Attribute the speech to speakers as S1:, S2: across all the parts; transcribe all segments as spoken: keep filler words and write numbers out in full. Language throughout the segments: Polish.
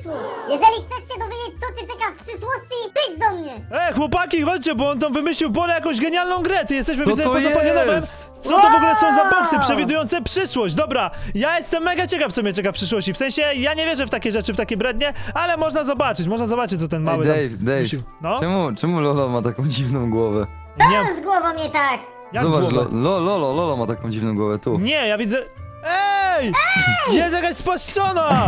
S1: przysłów. Jeżeli chcesz się dowiedzieć, co cię czeka w przyszłości, przyjdź do mnie.
S2: Ej, chłopaki, chodźcie, bo on tam wymyślił Bolo jakąś genialną grę. Ty jesteśmy,
S3: Co
S2: widzę,
S3: to
S2: poza Palionowem.
S3: jest?
S2: Co to w ogóle są za
S1: Wow!
S2: boksy przewidujące przyszłość? Dobra, ja jestem mega ciekaw, co mnie czeka w przyszłości. W sensie, ja nie wierzę w takie rzeczy, w takie brednie, ale można zobaczyć, można zobaczyć, co ten
S3: Ej,
S2: mały
S3: Dave,
S2: tam
S3: Dave,
S2: wymyślił. No,
S3: czemu, czemu Lolo ma taką dziwną głowę?
S2: nie,
S1: Co z głową nie tak?
S2: jak
S3: Zobacz,
S2: głowę?
S3: lo, lo, Lolo, Lolo ma taką dziwną głowę, tu.
S2: Nie, ja widzę... Ej! Jest jakaś spłaszczona!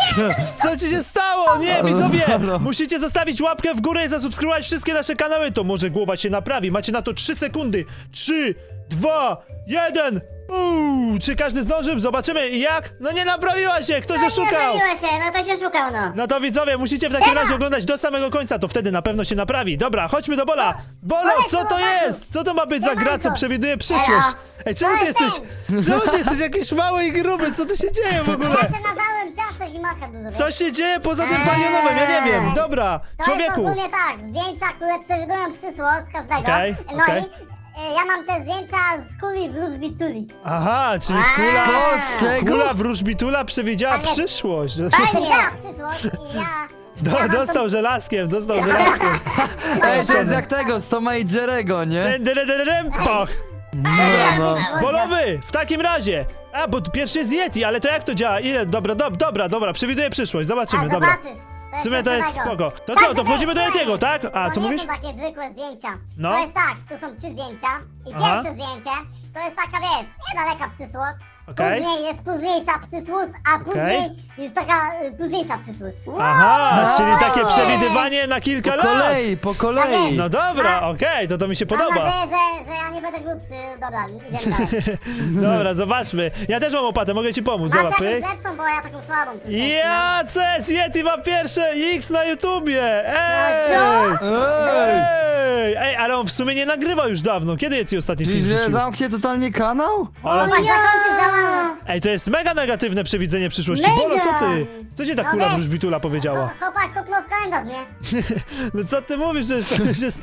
S2: Co ci się stało? Nie, widzowie!
S3: Halo.
S2: Musicie zostawić łapkę w górę i zasubskrybować wszystkie nasze kanały. To może głowa się naprawi. Macie na to trzy sekundy. trzy, dwa, jeden. Uuu, czy każdy zdążył? Zobaczymy jak? No nie naprawiła się! Ktoś
S1: No
S2: oszukał!
S1: nie zrobiło się, no to się szukał, no.
S2: No to widzowie, musicie w takim razie oglądać do samego końca, to wtedy na pewno się naprawi. Dobra, chodźmy do Bola. Bolo, co to jest? Co to ma być za gra, co przewiduje przyszłość? Ej, czemu ty jesteś... Czemu ty jesteś jakiś mały i gruby? Co tu się dzieje w ogóle?
S1: Ja się nadałem ciastek i maka dużo.
S2: Co się dzieje poza tym palionowym? Ja nie wiem. Dobra,
S1: To jest
S2: człowieku.
S1: ogólnie tak, zdjęcia, które przewidują przyszłość każdego.
S2: Okej,
S1: No
S2: okej.
S1: i e, ja mam te zdjęcia z kuli wróżby tuli.
S2: Aha, czyli
S1: A.
S2: kula...
S3: Co, z czego?
S2: Kula wróżbitula przewidziała
S1: Tak jest.
S2: przyszłość.
S1: Fajnie! Ja przyszłość i ja...
S2: Do,
S1: ja mam
S2: dostał żelazkiem, dostał żelazkiem.
S3: Ej, to jest jak tego, z Toma i Jerego, nie?
S2: Den, den, den, den, poch.
S3: No, no.
S2: Bolowy, w takim razie. A, bo pierwszy jest Yeti, ale to jak to działa? Ile? Dobra, do, dobra, dobra, przewiduję przyszłość, zobaczymy,
S1: A,
S2: dobra.
S1: zobaczysz.
S2: W sumie to jest spoko. To
S1: Tak,
S2: co, to wchodzimy do
S1: tak,
S2: Yetiego, tak? A,
S1: to
S2: co
S1: nie
S2: mówisz?
S1: są takie zwykłe zdjęcia.
S2: No.
S1: To jest tak, tu są trzy zdjęcia i
S2: Aha.
S1: pierwsze zdjęcie to jest taka, wiesz, niedaleka przyszłość.
S2: Okej.
S1: Później jest późniejsza przyszłość, a później jest taka y, późniejsza przyszłość.
S2: Aha, czyli takie
S1: Wow.
S2: przewidywanie na kilka
S3: Po
S2: lat.
S3: kolei, po kolei.
S2: No dobra, okej, to to mi się
S1: Mam
S2: podoba.
S1: nadzieję, że, że ja nie będę głupszy. Dobra, idziemy dalej.
S2: Dobra, zobaczmy. Ja też mam opatę, mogę ci pomóc.
S1: Masz
S2: Dobra,
S1: jakąś
S2: pyk.
S1: lepszą, bo ja taką słabą.
S2: Ja, co jest? Yeti ma pierwsze X na YouTubie! Ej!
S3: Ej!
S2: Ej! Ej, ale on w sumie nie nagrywa już dawno. Kiedy Yeti ostatni film
S3: Czyli, że
S2: wrzucił?
S3: zamknie totalnie kanał?
S2: Ale...
S1: Zobacz, zakończyć działalność.
S2: Ej, to jest mega negatywne przewidzenie przyszłości.
S1: Mega!
S2: Bolo, co ty? Co ci ta
S1: No
S2: kula
S1: wiesz.
S2: wróżbitula powiedziała?
S1: Chłopak kopnął w kalendarz, nie?
S2: No co ty mówisz, że jest... Że jest...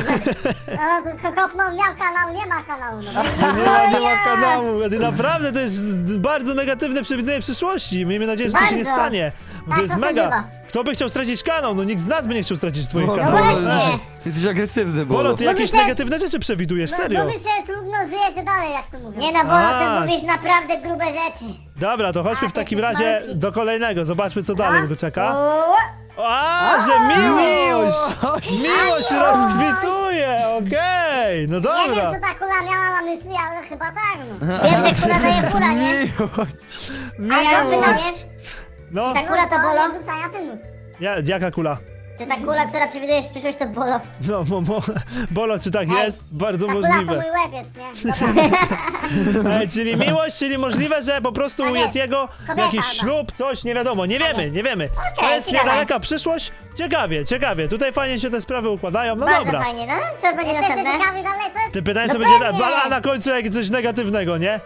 S1: No, ko- kopnął, miał kanał, nie ma kanału. No.
S2: Nie ma, nie ma kanału. Naprawdę to jest bardzo negatywne przewidzenie przyszłości. Miejmy nadzieję, że to się nie
S1: Bardzo.
S2: stanie. Bo to
S1: Tak,
S2: jest
S1: to
S2: mega.
S1: bywa.
S2: Kto by chciał stracić kanał? No nikt z nas by nie chciał stracić swoich
S3: Bolo,
S2: kanałów.
S1: właśnie.
S3: Jesteś agresywny,
S2: Bolo,
S3: Bolo.
S2: ty
S1: Bo
S2: jakieś
S1: my się-
S2: negatywne rzeczy przewidujesz,
S1: No,
S2: serio.
S1: bo mi się trudno żyje się dalej, jak to mówię.
S4: Nie no, Bolo,
S2: A.
S4: ty mówisz naprawdę grube rzeczy.
S2: Dobra, to chodźmy
S1: A,
S2: w
S1: to
S2: takim
S1: jest
S2: razie
S1: malutki.
S2: do kolejnego. Zobaczmy, co dalej go czeka.
S1: O,
S2: A, że miłość!
S3: Miłość!
S2: Miłość rozkwituje, okej, no
S1: nie
S2: dobra.
S1: wiem, co ta kula miała na myśli, ale chyba tak, no.
S4: Wiem, że kula daje kula, nie?
S3: Miłość!
S4: A ja mam pytanie,
S2: Miłość. No,
S4: ta kula to Bolo?
S1: Nie wrzucania filmów.
S2: ja, jaka kula?
S4: Czy ta kula, która przewiduje przyszłość, to Bolo?
S2: No, mo, mo, Bolo, czy tak
S1: Ej,
S2: jest? Bardzo
S1: Ta kula to mój
S2: możliwe.
S1: łeb jest, nie? Dobra.
S2: Ej, czyli miłość, czyli możliwe, że po prostu u
S1: Tak jest.
S2: Yetiego
S1: Kobieta,
S2: jakiś
S1: no.
S2: ślub, coś, nie wiadomo, nie wiemy, nie wiemy. To
S4: Okej,
S2: jest
S4: ciekawe.
S2: niedaleka przyszłość. Ciekawie, ciekawie, tutaj fajnie się te sprawy układają, no
S4: Bardzo
S2: dobra.
S4: fajnie, no? Co będzie
S1: Jesteście
S4: następne?
S1: ciekawi dalej, co jest?
S2: Ty pytanie, co
S4: No
S2: będzie, na,
S4: pewnie.
S2: a na końcu jak coś negatywnego, nie?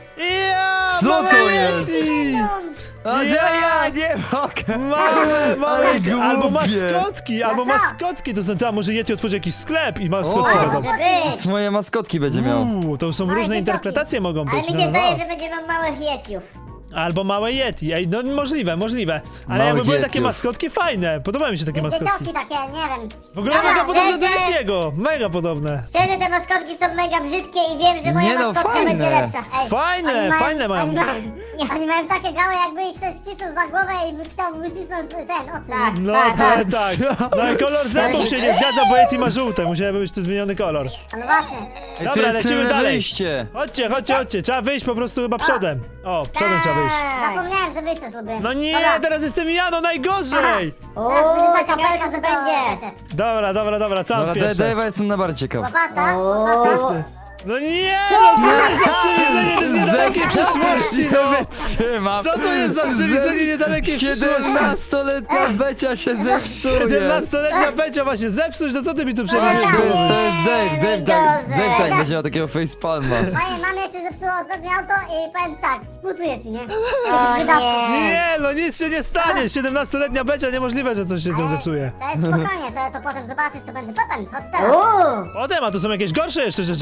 S2: Ja,
S3: Co
S2: małe
S3: to jest?
S2: Yeti!
S3: A że ja nie mogę!
S2: Małe, małe,
S3: Ale głupie.
S2: albo maskotki, albo
S1: No co?
S2: maskotki, to są tam, może Yeti otworzy jakiś sklep i maskotki
S3: O,
S2: będą.
S4: Może być.
S3: Swoje maskotki będzie miał.
S2: Uuu, to są
S1: Małe
S2: różne
S1: dzieciaki.
S2: interpretacje mogą
S4: Ale
S2: być,
S4: mi
S2: no,
S4: się
S2: no,
S4: zdaje,
S2: no.
S4: że będzie miał małych jeciów.
S2: Albo małe Yeti, ej, no możliwe, możliwe. Ale
S3: Małych
S2: jakby były takie
S3: Yetiów.
S2: maskotki fajne, podobają mi się takie maskotki.
S1: Dzieciaki takie, nie wiem.
S2: W ogóle
S4: Dobra,
S2: mega podobne do
S4: szczerze-
S2: Yetiego, mega podobne.
S4: Szczerze, te maskotki są mega brzydkie i wiem, że moja
S3: Nie no,
S4: maskotka
S3: fajne.
S4: będzie lepsza.
S1: Ej,
S2: Fajne,
S1: oni mają-
S2: fajne mają.
S1: Oni mają, oni mają takie gały, jakby ich ktoś ścisnął za głowę i by chciał wycisnąć ten osób.
S4: Tak.
S2: No,
S4: Tak,
S2: tak,
S4: tak.
S2: tak. No i kolor zębów się nie zgadza, bo Yeti ma żółte, musiałby być tu zmieniony kolor.
S1: No właśnie.
S3: Ej,
S2: Dobra,
S3: tu jest
S2: lecimy
S3: tylne
S2: dalej.
S3: wyjście.
S2: Chodźcie, chodźcie, chodźcie, trzeba wyjść po prostu chyba przodem. O, przodem trzeba wyjść.
S4: Tak.
S1: Zapomniałem, że wyjście zrobiłem.
S2: No nie,
S1: Dobra.
S2: teraz jestem ja, no najgorzej!
S4: O,
S1: Teraz będzie taka
S4: ciekawe
S1: belka,
S4: co to
S1: że
S4: będzie.
S2: Dobra, dobra, dobra, co mam
S3: Dobra,
S2: pierwsze?
S3: Dave'a jestem najbardziej ciekaw.
S1: Łopata,
S4: O.
S1: łopata.
S2: Co jest ty? No nie, no co jest za przewidzenie niedalekiej przyszłości, no!
S3: Wytrzymam.
S2: Co to jest za przewidzenie niedalekiej przyszłości?
S3: siedemnastoletnia Becia się zepsuje.
S2: siedemnastoletnia Becia ma się zepsuć, no co ty mi tu
S3: To
S2: przewidujesz?
S1: Tak.
S3: to jest Dave, Dave tak,
S4: Najgorzej.
S3: Dave tak będzie miał takiego facepalma.
S1: Mojej mamie się zepsuło ostatnie auto i powiem tak, współczuję ci, nie?
S4: O nie.
S2: Nie, no nic się nie stanie, siedemnastoletnia Becia, niemożliwe, że coś się z nią zepsuje.
S1: To jest spokojnie, to, to potem zobaczysz, co będzie potem, chodź teraz.
S4: Uuu.
S2: Potem, a to są jakieś gorsze jeszcze rzeczy,
S1: No
S2: tak? Nie
S1: prawa,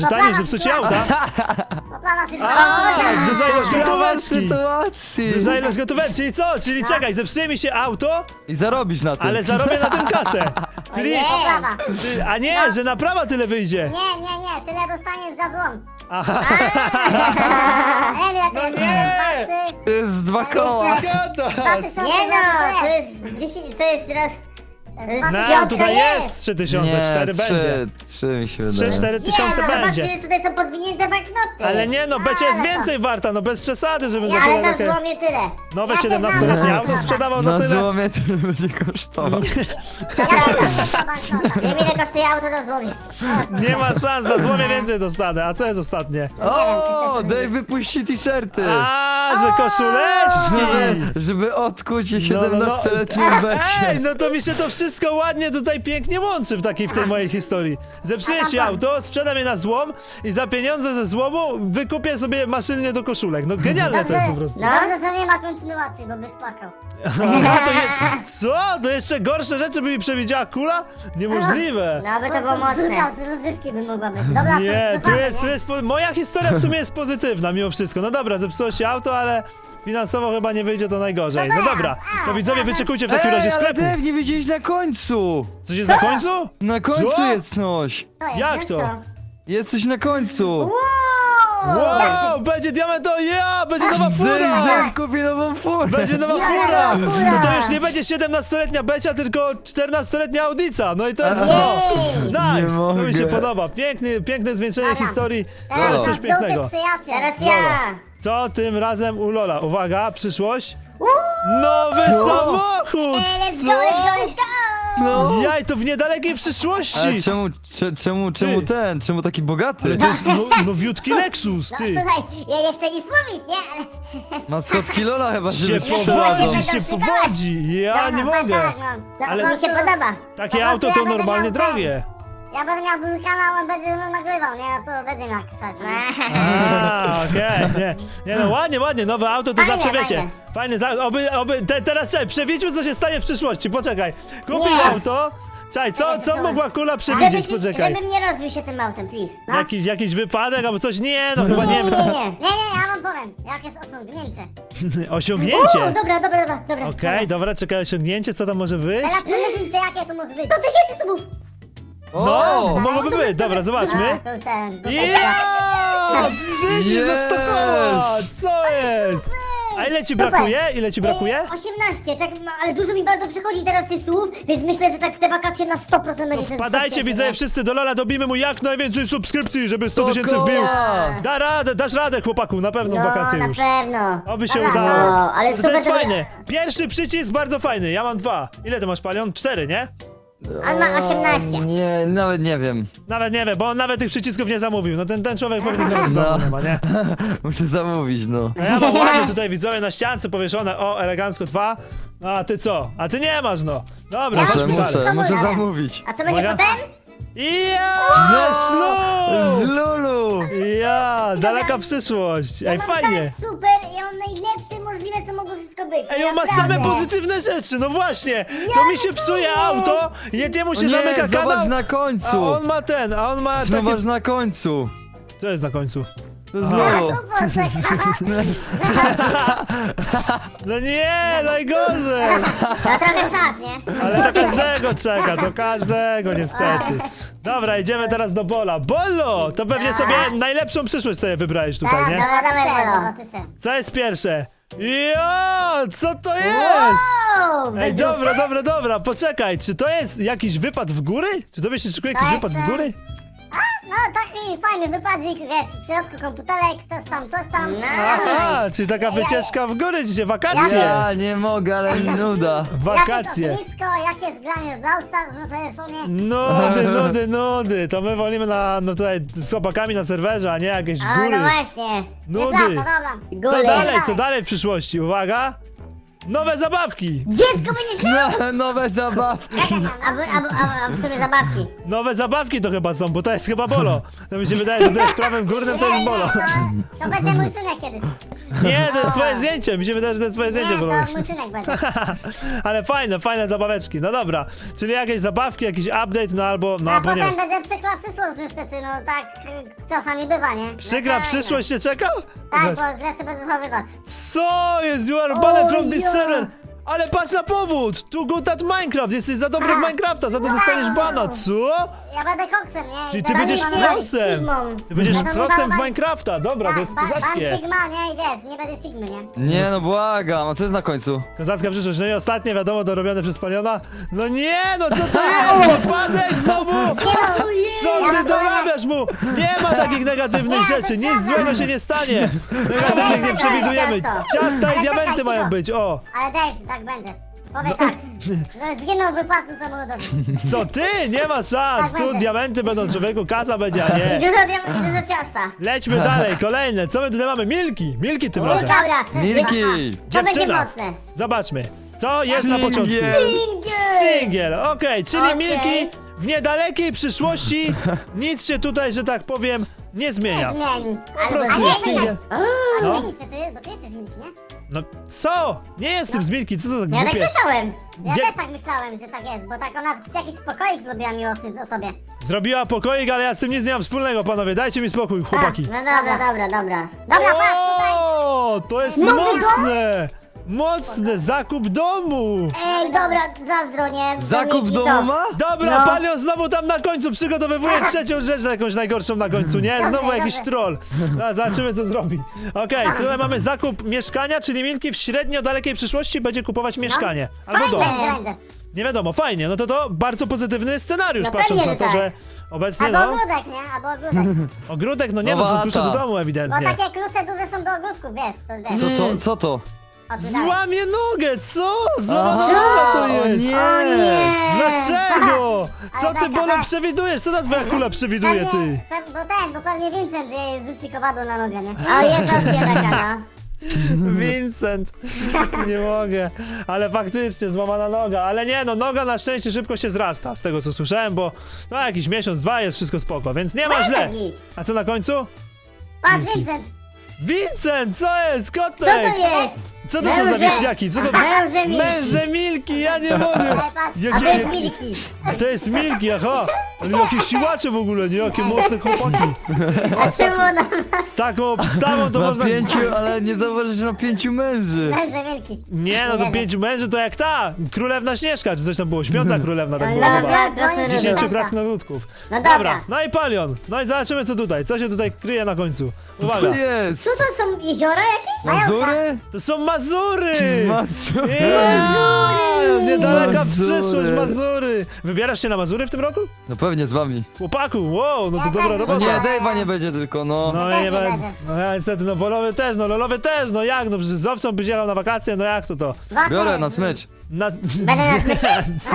S2: zepsucie auta?
S1: To plana tylko.
S2: A, duża ilość
S3: Dramat
S2: gotóweczki.
S3: sytuacji.
S2: Duża ilość gotóweczki, czyli co? Czyli czekaj, zepsuje mi się auto,
S3: I zarobisz na tym.
S2: ale zarobię na tym kasę. Czyli,
S4: Nie.
S1: To prawa.
S2: ty- a nie, że naprawa tyle wyjdzie.
S1: Nie, nie, nie, tyle dostaniesz za złom.
S2: Aha,
S1: Nie wiem,
S2: No
S1: jak to
S2: nie!
S1: jest. Dwa, trzy,
S3: To jest dwa koła.
S1: dwa
S2: gadasz.
S1: tysiące
S4: Nie no,
S1: za
S4: to jest dziesięć, to jest raz... To jest
S2: No,
S4: piątka
S2: tutaj
S4: jest.
S2: jest trzy tysiące,
S3: Nie,
S2: cztery
S3: trzy,
S2: będzie.
S3: Trzy mi się
S2: trzy,
S3: wydaje.
S2: cztery tysiące
S4: Nie, no
S2: będzie.
S4: zobaczcie, że tutaj są podwinięte banknoty.
S2: Ale nie no, Becia jest więcej warta, no bez przesady, żeby za
S4: Ale
S2: tyle
S4: na
S2: takie
S4: złomie tyle.
S2: nowe
S1: Ja się
S2: siedemnastoletnie
S1: znam.
S2: auto sprzedawał za
S3: Na
S2: tyle.
S3: złomie to będzie kosztował.
S4: Wiem ile kosztuje auto na złomie.
S2: Nie ma szans, na złomie więcej dostanę. A co jest ostatnie?
S3: O, Dave wypuści t-shirty.
S2: A, że koszuleczki!
S3: Żeby, żeby odkuć
S2: No, no, no.
S3: siedemnastoletnią Becie.
S2: Ej, no to mi się to wszystko ładnie tutaj pięknie łączy w takiej w tej mojej historii. Zepsuję się auto, sprzedam je na złom i za pieniądze ze złomu wykupię sobie maszynę do koszulek. No genialne to jest po prostu.
S1: No. Dobrze, że nie ma kontynuacji, bo byś płakał.
S2: Aha, to je... Co? To jeszcze gorsze rzeczy by mi przewidziała kula? Niemożliwe.
S4: No by to było mocne.
S1: Z rozrywki by mogła być. Dobra,
S2: Nie,
S1: to
S2: tu
S1: cofamy,
S2: jest, tu
S1: nie?
S2: jest, po- moja historia w sumie jest pozytywna mimo wszystko. No dobra, zepsuło się auto, ale finansowo chyba nie wyjdzie to najgorzej. No dobra, to widzowie wyczekujcie w takim razie
S3: Ej, ale
S2: sklepu.
S3: Dave, nie widziałeś na końcu.
S2: Coś jest na końcu?
S3: Na końcu
S2: Co?
S3: jest coś.
S1: To jest,
S2: Jak
S1: wiesz
S2: to?
S1: co?
S3: Jest coś na końcu.
S2: Wow, będzie diamento, ja, będzie nowa
S3: Dave,
S2: fura!
S3: Dave kupi nową furę.
S2: Będzie nowa
S1: Ja,
S2: fura!
S1: fura.
S2: To to już nie będzie siedemnastoletnia Becia, tylko czternastoletnia Audica. No i to jest
S3: A.
S2: to!
S3: Nie
S2: Nice! To mi się
S3: mogę.
S2: podoba. Piękny, piękne zwieńczenie
S1: Dobra.
S2: historii. To
S1: Teraz
S2: jest coś
S1: na
S2: pięknego.
S1: żółte przyjaciół.
S4: Teraz
S2: Dobra.
S4: ja.
S2: Co tym razem u Lola? Uwaga, przyszłość. Nowy
S3: Co?
S2: samochód!
S4: Let's go,
S2: Co?
S4: let's go, let's go.
S3: No.
S2: Jaj, to w niedalekiej
S3: Ale
S2: przyszłości!
S3: czemu, cze, czemu, czemu ten, czemu taki bogaty?
S2: Ale to jest no, nowiutki Lexus,
S4: No
S2: ty!
S4: słuchaj, ja nie chcę nic mówić, nie? Ale...
S3: Maskotki Lola chyba
S2: Się
S3: się sprzedadzą.
S2: powodzi, się powodzi! Ja nie mogę!
S1: Tak, no.
S4: No,
S2: Ale-
S4: to mi się podoba.
S2: Takie
S1: Po
S2: auto
S1: prostu
S2: to
S1: ja będę
S2: normalnie
S1: miał ten-
S2: drogie.
S1: Ja będę miał duży kanał, on będzie ze mną nagrywał, nie? No to będzie miał ksać.
S2: A, okej, nie. Nie no, ładnie, ładnie, nowe auto to
S1: Fajne,
S2: zawsze wiecie.
S1: fajne.
S2: Fajne, za, oby, oby, te, teraz czekaj, przewiedźmy co się stanie w przyszłości, poczekaj. Kupił
S4: Nie.
S2: auto, czekaj, co, co mogła kula przewidzieć,
S4: Żeby, się,
S2: poczekaj.
S4: żebym nie rozbił się tym autem, please. No.
S2: Jakiś, jakiś wypadek albo coś, nie no chyba nie
S4: nie, nie,
S2: wiem.
S4: nie.
S1: Nie, nie, ja wam powiem, jak jest osiągnięcie.
S2: Osiągnięcie.
S4: O, dobra, dobra, dobra, dobra.
S2: Okej, dobra, czekaj, osiągnięcie, co tam może być?
S1: Teraz pomyślcie, jakie to może być.
S4: To tysięcy subów.
S2: No,
S3: O!
S2: mogłoby być, dobra, zobaczmy.
S1: A, to ten, to
S2: Ja! Życie za sto koła!
S3: Yes!
S2: Co jest? A ile ci brakuje? Ile ci brakuje?
S4: osiemnaście, tak, no, ale dużo mi bardzo przychodzi teraz tych słów, więc myślę, że tak w te wakacje na sto procent będzie ten
S2: Wpadajcie,
S4: sto
S2: widzowie,
S4: tysięcy,
S2: wszyscy do Lola, dobijmy mu jak najwięcej subskrypcji, żeby sto tysięcy
S3: koła!
S2: wbił. Da radę, dasz radę, chłopaku, na pewno
S4: nie?
S2: w
S4: No,
S2: wakacje
S4: na
S2: już.
S4: pewno.
S2: Oby się
S1: Dobra,
S2: udało.
S4: no, ale
S2: to, to
S4: super,
S2: jest
S4: że-
S2: fajne. Pierwszy przycisk bardzo fajny, ja mam dwa. Ile ty masz, Palion? Cztery, nie?
S4: On ma osiemnaście.
S3: Nie, nawet nie wiem.
S2: Nawet nie wiem, bo on nawet tych przycisków nie zamówił. No ten, ten człowiek pewnie nawet w
S3: No.
S2: domu nie ma, nie?
S3: Muszę zamówić, no.
S2: A ja mam ładnie tutaj, widzowie, na ściance powieszone, o, elegancko dwa. No, a ty co? A ty nie masz, no. Dobra,
S3: Muszę,
S2: chodźmy dalej.
S3: muszę, muszę
S1: Dobra.
S3: zamówić.
S4: A co będzie
S2: Uwaga.
S4: potem?
S2: Ja!
S3: Z
S2: Ślub!
S3: Lulu!
S2: Ja! Daleka przyszłość. Ej,
S4: Ja mam
S2: fajnie.
S4: tak super, ja mam najlepsze możliwe, co mogło wszystko być.
S2: Ej, on ma same
S4: naprawdę.
S2: pozytywne rzeczy, no właśnie! To mi się psuje auto, Yetiemu się
S3: O nie,
S2: zamyka
S3: zobacz
S2: kanał,
S3: na
S2: a
S3: końcu!
S2: on ma ten, a on ma
S3: Zobacz
S2: takie...
S3: na końcu!
S2: Co jest na końcu?
S3: To jest
S2: Aha.
S3: Lulu.
S1: Tu poczekaj.
S2: No nie, najgorzej!
S4: No trochę sad, nie?
S2: Ale to każdego czeka, to każdego niestety. Dobra, idziemy teraz do Bola. Bolo! To pewnie sobie najlepszą przyszłość sobie wybrałeś tutaj, nie?
S4: Dobra, dawaj,
S1: Ty,
S4: Bolo.
S1: no, ty, ty.
S2: Co jest pierwsze? Jo! Co to jest?
S4: Wow,
S2: Ej,
S4: wydruk.
S2: dobra, dobra, dobra, poczekaj, czy to jest jakiś wypad w góry? Czy tobie się szykuje jakiś
S1: Tak,
S2: wypad w
S1: tak.
S2: góry?
S1: No taki fajny wypadzik, jest w środku komputerek, coś tam, coś tam.
S4: No.
S2: Aha, czyli taka wycieczka w góry dzisiaj, wakacje!
S3: Ja nie mogę, ale mi nuda.
S2: Wakacje!
S1: Jakieś ognisko, jakieś granie w Brawl Stars na telefonie.
S2: Nudy, nudy, nudy! To my wolimy na, no tutaj z chłopakami na serwerze, a nie jakieś
S4: A,
S2: góry.
S4: no właśnie.
S2: Nudy!
S1: Nieprawda, dobra.
S2: Co
S4: Góry.
S2: dalej, co dalej w przyszłości? Uwaga! Nowe zabawki!
S4: Dziecko będziesz miał!
S3: No, nowe zabawki.
S4: Albo, albo, albo, albo sobie zabawki.
S2: Nowe zabawki to chyba są, bo to jest chyba Bolo. To mi się wydaje, że to jest prawym górnym, to jest Bolo.
S1: To, to będzie mój synek kiedyś.
S2: Nie, to jest twoje zdjęcie, mi się wydaje, że to jest twoje zdjęcie,
S1: Nie,
S2: Bolo.
S1: to mój synek będzie.
S2: Ale fajne, fajne zabaweczki, no dobra. Czyli jakieś zabawki, jakiś update, no albo, no
S1: A
S2: albo nie
S1: potem
S2: wiem.
S1: będzie przykra przyszłość niestety, no tak y, czasami bywa, nie?
S2: Przykra
S1: No,
S2: przyszłość się czeka?
S1: Tak,
S2: Weź.
S1: bo źle się będę zachowywać.
S2: Co jest? You are banned from this
S4: ja.
S2: server! Ale patrz na powód! Tu good at Minecraft! Jesteś za dobry w Minecrafta, za to dostaniesz bana, co?
S1: Ja będę koksem, nie?
S2: Czyli
S1: I
S2: ty
S1: będę
S2: będziesz
S1: Sigmą.
S2: prosem!
S4: Sigmą.
S2: Ty będziesz
S1: Ja to
S2: prosem w
S1: ban-
S2: Minecrafta, dobra, to jest
S1: Tak, ba- ban
S2: kozackie.
S1: Sigma, nie? I wiesz, nie będę Sigmy, nie?
S3: Nie no, błagam, a co jest na końcu?
S2: Kozacka przyszłość, no i ostatnie wiadomo, dorobione przez Paliona. No nie, no co to jest? Wypadek znowu! Co ty dorabiasz mu? Nie ma takich negatywnych rzeczy, nic złego się nie stanie. Negatywnych nie przewidujemy. Ciasta i diamenty mają być, o!
S1: Ale Dave, tak będzie. Powiedz tak. No, zginął w wypadku samochodowym.
S2: Co ty? Nie ma szans,
S1: Tak
S2: tu
S1: będzie.
S2: diamenty będą, człowieku, kasa będzie, a
S4: I
S2: nie.
S4: dużo diamentów, dużo ciasta.
S2: Lećmy dalej, kolejne, co my tutaj mamy? Milki, Milki tym razem.
S4: Dobra,
S3: Milki!
S4: to będzie
S2: Dziewczyna.
S4: mocne.
S2: Zobaczmy, co jest na początku.
S3: Singiel.
S2: Singiel, okej, czyli
S4: Okej.
S2: Milki w niedalekiej przyszłości nic się tutaj, że tak powiem, nie zmienia.
S1: Zmieni.
S2: Po prostu
S1: Ale
S2: jest
S1: nie,
S2: singiel.
S1: A
S2: No.
S1: zmieni się ty, bo ty jesteś Milki, nie?
S2: No co? Nie jestem z Milki, co to za
S4: Ja tak
S2: głupie?
S4: słyszałem.
S1: Ja
S2: Gdzie-
S1: też tak myślałem, że tak jest, bo tak ona jakiś spokoik zrobiła miłosny o tobie.
S2: Zrobiła pokoik, ale ja z tym nic nie mam wspólnego, panowie, dajcie mi spokój, chłopaki.
S4: No dobra, dobra, dobra.
S1: Dobra, patrz tutaj.
S2: O, to jest
S4: Nowy
S2: mocne! Mocny zakup domu!
S4: Ej, dobra, zazdro, nie?
S3: Zakup
S4: Milki
S3: domu
S4: to.
S3: ma?
S2: Dobra,
S4: No.
S2: Palion znowu tam na końcu przygotowywuje trzecią rzecz, jakąś najgorszą na końcu, nie? Znowu
S1: Dobrze,
S2: jakiś
S1: dobrze.
S2: troll. No, zobaczymy, co zrobi. Okej, tutaj mamy zakup mieszkania, czyli Milki w średnio dalekiej przyszłości będzie kupować mieszkanie. Albo dom.
S1: Będzie, będzie.
S2: Nie wiadomo, fajnie, no to to bardzo pozytywny scenariusz,
S4: No
S2: patrząc
S4: pewnie,
S2: na to,
S4: że
S2: że obecnie,
S1: Albo
S2: no,
S1: ogródek, nie? Albo ogródek.
S2: ogródek, no nie, no
S3: Nowa
S2: są klucze do
S3: chata.
S2: domu
S1: Bo
S2: ewidentnie.
S1: takie klucze duże są do ogródków, wiesz, to wiesz.
S3: Co to, co to?
S1: O, tu dalej.
S2: Złamie nogę, co? Złamana
S3: Aha,
S2: noga to
S3: o
S2: jest!
S3: nie.
S4: O nie!
S2: Dlaczego? Co
S1: Ale
S2: ty,
S1: taka,
S2: Bolo,
S1: tak.
S2: przewidujesz? Co ta twoja kula przewiduje, ty?
S1: Pewnie- pe- Bo ten, bo pewnie Vincent jej rzuci kowadło na nogę, nie?
S4: O, jest opcja taka, no.
S2: Vincent, nie mogę, ale faktycznie złamana noga, ale nie no, noga na szczęście szybko się zrasta, z tego co słyszałem, bo no jakiś miesiąc, dwa jest wszystko spoko, więc nie ma źle.
S1: Git.
S2: A co na końcu?
S1: Patrz, Vincent!
S2: Vincent, co jest?
S4: Co
S2: Kotek!
S4: to jest?
S2: Co to są za
S4: Męże-
S2: wieśniaki? Co to?
S4: Męże Milki.
S2: Męże Milki, ja nie mogę!
S1: Ej, patrz.
S4: A to
S2: Jakie,
S4: jest Milki.
S2: to jest Milki, aha! Ale jakie siłacze w ogóle, nie? Jakie mocne chłopaki!
S4: A czemu ona...
S2: Z taką obstawą to
S3: Ma
S2: można...
S3: pięciu, ale nie zauważysz, że ma pięciu męży.
S1: Męże wielki.
S2: Nie, no to pięciu męży to jak ta! Królewna Śnieżka, czy coś tam było? Śpiąca królewna tak było
S4: Dobra,
S2: chyba.
S4: krasnoludy.
S2: Dziesięciu krasnoludków.
S4: No dobra.
S2: Dobra, no i Palion. No i zobaczymy co tutaj. Co się tutaj kryje na końcu. Uwaga.
S3: To jest!
S4: Co to są jeziora jakieś?
S3: Mazury?
S2: To są Mazury!
S3: Mazury!
S2: Jeee, Niedaleka
S3: Mazury.
S2: przyszłość, Mazury! Wybierasz się na Mazury w tym roku?
S3: No pewnie z wami.
S2: Chłopaku, wow, no to
S1: Ja
S2: dobra
S1: też
S3: No
S2: robota.
S3: nie, Dave'a nie będzie tylko, no.
S2: No
S1: też
S2: i nie
S1: nie
S2: będę.
S1: będę.
S2: No ja niestety, no Bolowy też, no Lolowy też, no jak, no przecież z owcą byś jechał na wakacje, no jak to to?
S1: Wafer.
S3: Biorę na smycz.
S2: Na...
S4: Będę na smyczy?
S2: Co?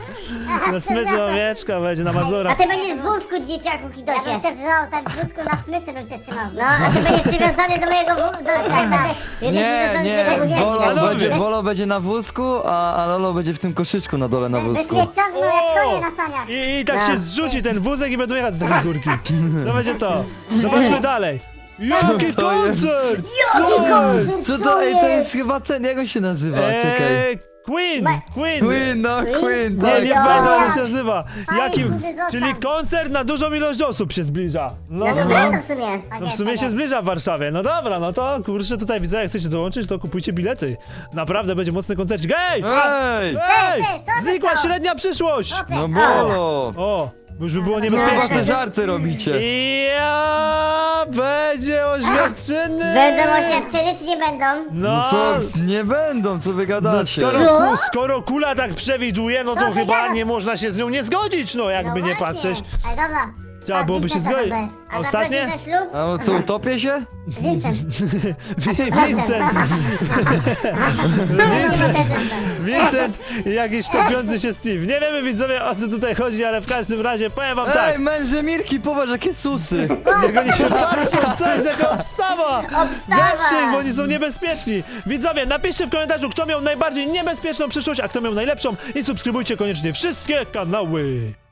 S2: Na smyczy owieczka będzie na
S4: A
S2: Mazurach.
S4: ty będziesz w wózku, dzieciaku,
S1: Ja bym
S4: kidosie.
S1: cię wziął tak w brzuszku na smyczy bym cię trzymał.
S4: No, a ty będziesz przywiązany do mojego wózku. Do, tak, tak. Będę
S3: Nie,
S4: przywiązany
S3: nie,
S4: do tego
S3: Bolo
S2: Panowie.
S4: wózku.
S3: będzie, Bolo będzie na wózku, a, a Lolo będzie w tym koszyczku na dole na
S1: Byś
S3: wózku.
S1: mnie ciągnął jak konie
S2: O!
S1: na saniach.
S2: I, I tak się
S4: Tak.
S2: zrzuci ten wózek i będą jechać z takiej górki. To będzie to. Zobaczmy dalej. Jaki
S3: to jest?
S2: koncert!
S4: Jaki
S2: Co
S4: koncert?
S2: jest?
S3: Co to, ej, to jest chyba ten, jak on się nazywa? Czekaj.
S2: Eee, Queen! Queen!
S3: Queen, no Queen,
S2: Nie,
S3: tak.
S2: nie
S1: Ja.
S2: pamiętam jak się nazywa.
S1: Fajny,
S2: Jaki,
S1: duży zostaw.
S2: czyli koncert na dużą ilość osób się zbliża. No,
S4: No
S2: no,
S4: dobra,
S2: no.
S4: to w sumie.
S1: Tak
S2: No w
S1: jest,
S2: sumie
S1: tak
S2: się
S1: jest.
S2: zbliża w Warszawie. No dobra, no to kurczę tutaj widzę, jak chcecie dołączyć, to kupujcie bilety. Naprawdę będzie mocny koncercik. Ej!
S3: Ej!
S2: Ej!
S1: Ty, co ty
S2: Znikła
S1: to?
S2: średnia przyszłość!
S3: No Bolo!
S2: O, bo już by było
S3: Chyba
S2: niebezpiecznie.
S3: se żarty robicie.
S2: Ja będzie oświadczyny!
S4: Będą oświadczyny, czy nie będą?
S2: No,
S3: No co, nie będą, co wy
S2: no
S3: gadacie?
S2: skoro,
S4: Co?
S2: skoro kula tak przewiduje, no to
S1: Co ty
S2: chyba
S1: gadasz?
S2: nie można się z nią nie zgodzić, no jakby
S1: No
S2: nie
S1: właśnie.
S2: patrzeć.
S1: Ej, dobra.
S2: Trzeba byłoby się zgodzić.
S1: A
S2: Ostatnie?
S1: zaprosisz na ślub?
S3: A co, utopię się?
S1: Vincent.
S2: Vincent! Vincent! Vincent i jakiś topiący się Steve. Nie wiemy, widzowie, o co tutaj chodzi, ale w każdym razie powiem wam tak.
S3: Ej, męże Mirki, popatrz, jakie susy.
S2: Jak oni się patrzą, co jest jaka obstawa!
S1: Obstawa!
S2: Weźcie ich, bo oni są niebezpieczni. Widzowie, napiszcie w komentarzu, kto miał najbardziej niebezpieczną przyszłość, a kto miał najlepszą i subskrybujcie koniecznie wszystkie kanały.